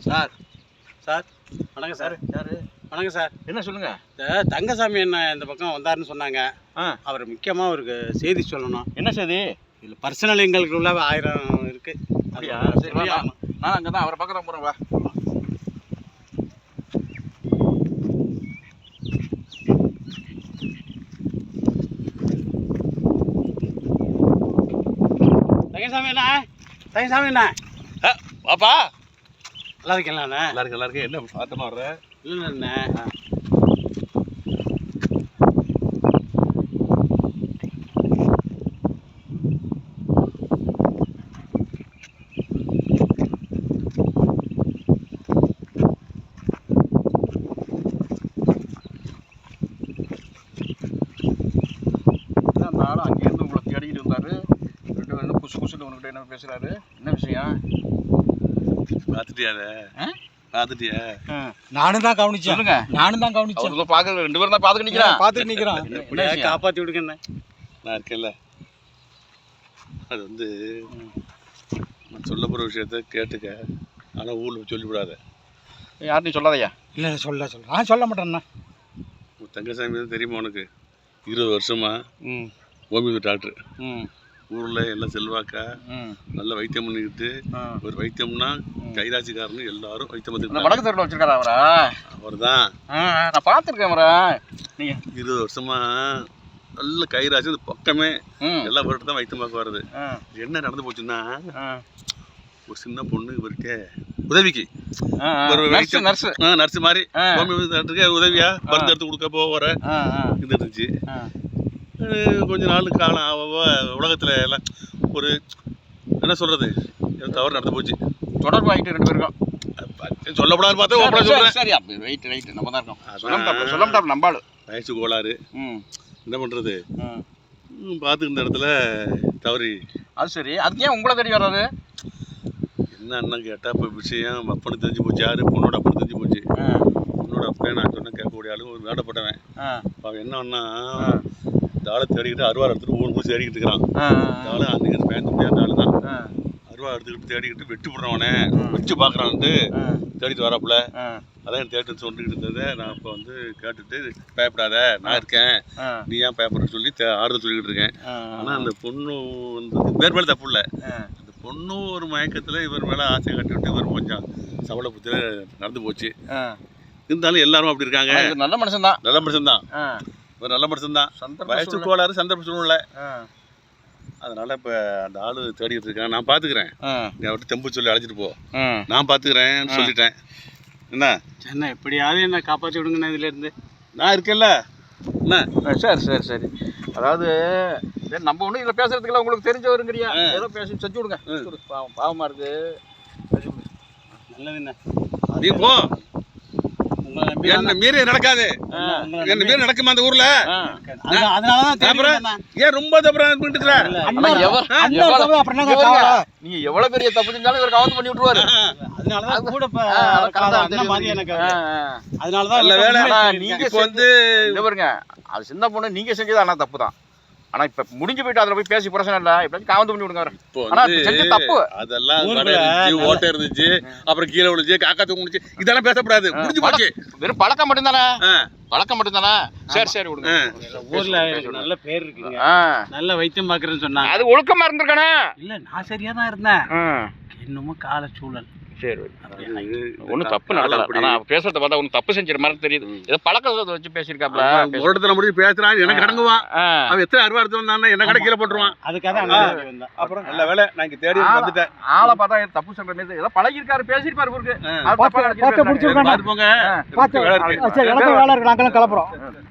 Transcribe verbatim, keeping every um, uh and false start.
Sir sir வணக்கம் sir. யாரு? வணக்கம் சார். என்ன சொல்லுங்க? இந்த தங்கசாமி என்ன இந்த பக்கம் வந்தாருன்னு சொன்னாங்க. அவர் முக்கியமாக அவருக்கு செய்தி சொல்லணும். என்ன செய்தி? இதில் பர்சனல் எங்களுக்குள்ள ஆயிரம் இருக்கு. அப்படியா? சரி, நான் அங்கே தான் அவரை பக்கம் போகிறேன். வா. தங்கசாமி அண்ணா, தங்கசாமி அண்ணா, பாப்பா நல்லா இருக்கீங்களா? நல்லா இருக்கு, நல்லா இருக்கு. என்ன பார்த்தமா வர்ற? இல்லை அண்ணா, நானும் அங்கேருந்து உங்களை தேடிக்கிட்டு வந்தாரு. ரெண்டு பேரும் குசு குசுன்னு உங்கள்கிட்ட என்ன பேசுறாரு? என்ன விஷயம்? பார்த்துட்டியா? பார்த்துட்டியா? நானும் தான் கவனிச்சேன். சொல்லுங்க. நானும் தான் கவனிச்சேன். அவங்க பார்க்க ரெண்டு பேரும் தான் பார்த்துட்டு நிற்கிறேன். பார்த்துட்டு நிற்கிறோம். காப்பாற்றி விடுங்க. நான் இருக்கேன்ல. அது வந்து நான் சொல்ல போகிற விஷயத்த கேட்டுக்க, ஆனால் ஊரில் சொல்லிவிடாத. யார்ட்டையும் சொல்லாதையா? இல்லை சொல்ல சொல்ல நான் சொல்ல மாட்டேண்ணா. தங்கசாமி தான் தெரியுமா உனக்கு? இருபது வருஷமா ஹோமியோபதி டாக்டர். ஊரில் எல்லாம் செல்வாக்கா நல்ல வைத்தியம் பண்ணிக்கிட்டு, ஒரு வைத்தியம்னா கைராசிக்காரன்னு எல்லாரும் வைத்தியம் பண்ணிட்டு வடக்கு தெருவில் வச்சிருக்காரு அவரா? அவர் தான். நான் பார்த்துருக்கேன் அவரை. நீங்கள் இருபது வருஷமா நல்ல கைராசி, அந்த பக்கமே எல்லா பொருட்கள் தான் வைத்தியம் பார்க்க வருது. என்ன நடந்து போச்சுன்னா, ஒரு சின்ன பொண்ணு இவர்கிட்ட உதவிக்கு ஒரு நர்ஸு நர்ஸு மாதிரி ஹோமியோபதி டாக்டருக்கு உதவியா மருந்து எடுத்து கொடுக்க போகிற இது இருந்துச்சு. கொஞ்ச நாள் காலம் ஆக உலகத்தில் எல்லாம் ஒரு என்ன சொல்கிறது, தவறு நடந்து போச்சு. தொடர்பு ஆகிட்டு ரெண்டு பேருக்கும் சொல்லப்படாது பார்த்தா ஓப்பனாக சொல்கிறேன். சரி, அப்படி ரைட்டு ரைட்டு நம்ம தான் இருக்கோம். சொல்ல மாட்டார் நம்பாள். வயசு கோளாறு, என்ன பண்ணுறது, பார்த்துக்க இந்த இடத்துல தவறி. அது சரி, அதுக்கு ஏன் உங்களை தேடி வர்றாரு? என்ன அண்ணன் கேட்டால் இப்போ விஷயம் அப்பனு தெரிஞ்சு போச்சு. யார்? பொண்ணோட அப்பனு தெரிஞ்சு போச்சு. பொண்ணோட அப்பனே நான் சொன்னேன் கேட்கக்கூடிய ஆளு ஒரு வேடப்பட்டவன். அவன் என்னன்னா, இந்த ஆளை தேடிக்கிட்டு அருவாள் எடுத்துகிட்டு ஊர் ஊர் தேடிக்கிட்டு இருக்கிறான். இந்த ஆளு அன்றைக்கி பேச முடியாத ஆள் தான். அருவா எடுத்துக்கிட்டு தேடிக்கிட்டு வெட்டி விட்றவனே வச்சு பார்க்குறான்ட்டு தேடிட்டு வராப்புல. அதான் தேடிட்டு சொல்லிக்கிட்டு இருந்ததை நான் இப்போ வந்து கேட்டுட்டு, பயப்படாத நான் இருக்கேன், நீ ஏன் பயப்படுறன்னு சொல்லி ஆறுதல் சொல்லிக்கிட்டு இருக்கேன். ஆனால் அந்த பொண்ணு வந்து வேறு மேலே தப்பு இல்லை. அந்த பொண்ணும் ஒரு மயக்கத்தில் இவர் மேலே ஆசை கட்டிவிட்டு இவர் கொஞ்சம் சவள புத்தியில் நடந்து போச்சு. இருந்தாலும் எல்லாரும் அப்படி இருக்காங்க. நல்ல மனுஷன் தான், நல்ல மனுஷன் தான், இவர் நல்ல மனுஷன் தான். வயசு கோளாறு, சந்தர்ப்ப சூழ்நிலை. அதனால இப்போ அந்த ஆள் தேடிக்கிட்டு இருக்கான். நான் பார்த்துக்கிறேன், நீ அவர்கிட்ட தெம்பு சொல்லி அழைச்சிட்டு போ, நான் பார்த்துக்கிறேன் சொல்லிட்டேன். என்ன என்ன எப்படியாவது என்ன காப்பாற்றி விடுங்கண்ணா இதுலேருந்து. நான் இருக்கேன்ல. என்ன? சரி சரி சரி. அதாவது நம்ம ஒன்றும் இதில் பேசுறதுக்குலாம் உங்களுக்கு தெரிஞ்சவருங்கிறியா? ஏதோ பேசி செஞ்சு விடுங்க. பாவம் பாவமாக இருக்கு. நல்லதுண்ணா, நீ போ. என்ன மீறி நடக்காது. என்ன மீறி நடக்குமா அந்த ஊர்ல? ஏன் ரொம்ப நீங்க எவ்வளவு பெரிய தப்பு செஞ்சாலும் இவர் கவனம் பண்ணி விட்டுருவாரு. அதனாலதான் கூட அதனாலதான் நீங்க வந்து பாருங்க, அது சின்ன பொண்ணு நீங்க செஞ்சது ஆனா தப்பு தான். ஆனா இப்ப முடிஞ்சு போயிட்டு அதுல போய் பேசி பிரச்சனை இல்ல. இப்ப காவந்து பண்ணி விடுங்க. ஆனா செஞ்ச தப்பு அதெல்லாம் ஓட்ட இருந்துச்சு, அப்புறம் கீழே விழுந்துச்சு, காக்கா தூங்குச்சு, இதெல்லாம் பேசக்கூடாது. முடிஞ்சு போச்சு. வெறும் பழக்கம் மட்டும் தானே, பழக்கம் மட்டும் தானே. சரி சரி விடுங்க. ஊர்ல நல்ல பேர் இருக்குங்க, நல்ல வைத்தியம் பாக்குறேன்னு சொன்னாங்க. அது ஒழுக்கமா இருந்திருக்கானே. இல்ல நான் சரியா தான் இருந்தேன், இன்னமும் கால சூழல். சரி, ஒன்றும் தப்பு நடக்கல. ஆனால் பேசுறத பார்த்தா ஒன்றும் தப்பு செஞ்சிட மாதிரி தெரியுது. ஏதோ பழக்கத்தை வச்சு பேசியிருக்காப்ல. ஒரு இடத்துல முடிஞ்சு பேசுறான், எனக்கு அடங்குவான். அவன் எத்தனை அறுவா எடுத்து வந்தானே என்ன கடை கீழே போட்டுருவான். அதுக்காக அப்புறம் நல்ல வேலை நான் இங்கே தேடி வந்துட்டேன். ஆளை பார்த்தா தப்பு சொல்ற மாதிரி ஏதோ பழகிருக்காரு, பேசியிருப்பாரு. போங்க, வேலை இருக்கு, நாங்களும் கிளப்புறோம்.